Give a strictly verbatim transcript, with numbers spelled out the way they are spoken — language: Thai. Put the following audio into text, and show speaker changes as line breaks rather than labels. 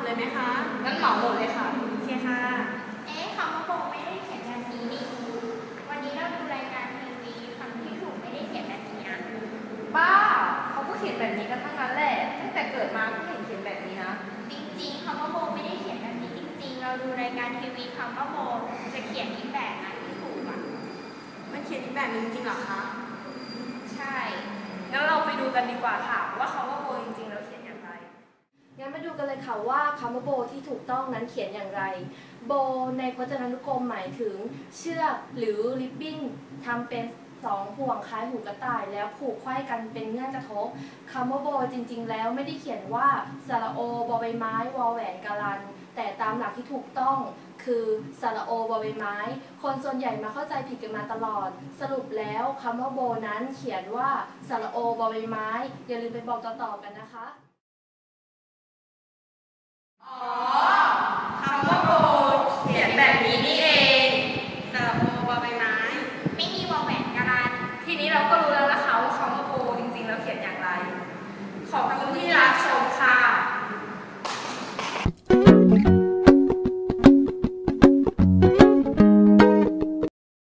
เลยไหมคะ
งั้นเหมาหมดเลยค่ะ
โอเคค่ะ
เอ๊ะคำว่าโบไม่ได้เขียนแบบนี้นี่วันนี้เราดูรายการทีวีคำที่ถูกไม่ได้เขียนแบบนี้นะ
บ้าเขาก็เขียนแบบนี้กันทั้งนั้นแหละตั้งแต่เกิดมาก็เห็นเขียนแบบนี้นะ
จริงๆคำว่าโบไม่ได้เขียนแบบนี้จริงๆเราดูรายการทีวีคำว่าโบจะเขียนอีกแบบนะที่ถูกอ่ะ
มันเขียนอีกแบบนึงจริงเหรอคะ
ใช่
งั้นเราไปดูกันดีกว่าค่ะว่าคำว่าโบจริงๆแล้วเขียนอย่างไร
งั้นมาดูกันเลยค่ะว่าคำว่าโบที่ถูกต้องนั้นเขียนอย่างไรโบในพจนานุกรมหมายถึงเชือกหรือริบบิ้นทำเป็นสองห่วงคล้ายหูกระต่ายแล้วผูกไขว้กันเป็นเงื่อนกระทบคำว่าโบจริงๆแล้วไม่ได้เขียนว่าสระโอบอใบไม้วอแหวนกาลันแต่ตามหลักที่ถูกต้องคือสระโอบอใบไม้คนส่วนใหญ่มาเข้าใจผิดกันมาตลอดสรุปแล้วคำว่าโบนั้นเขียนว่าสระโอบอใบไม้อย่าลืมไปบอกต่อๆกันนะคะ
อ๋อคำว่าโบเขียนแบบนี้นี่เองสระโอบอใบไม้
ไม่มีวอแหวนการัน
ทีนี้เราก็รู้แล้วนะคะว่าคำว่าโบจริงๆแล้วเขียนอย่างไรขอค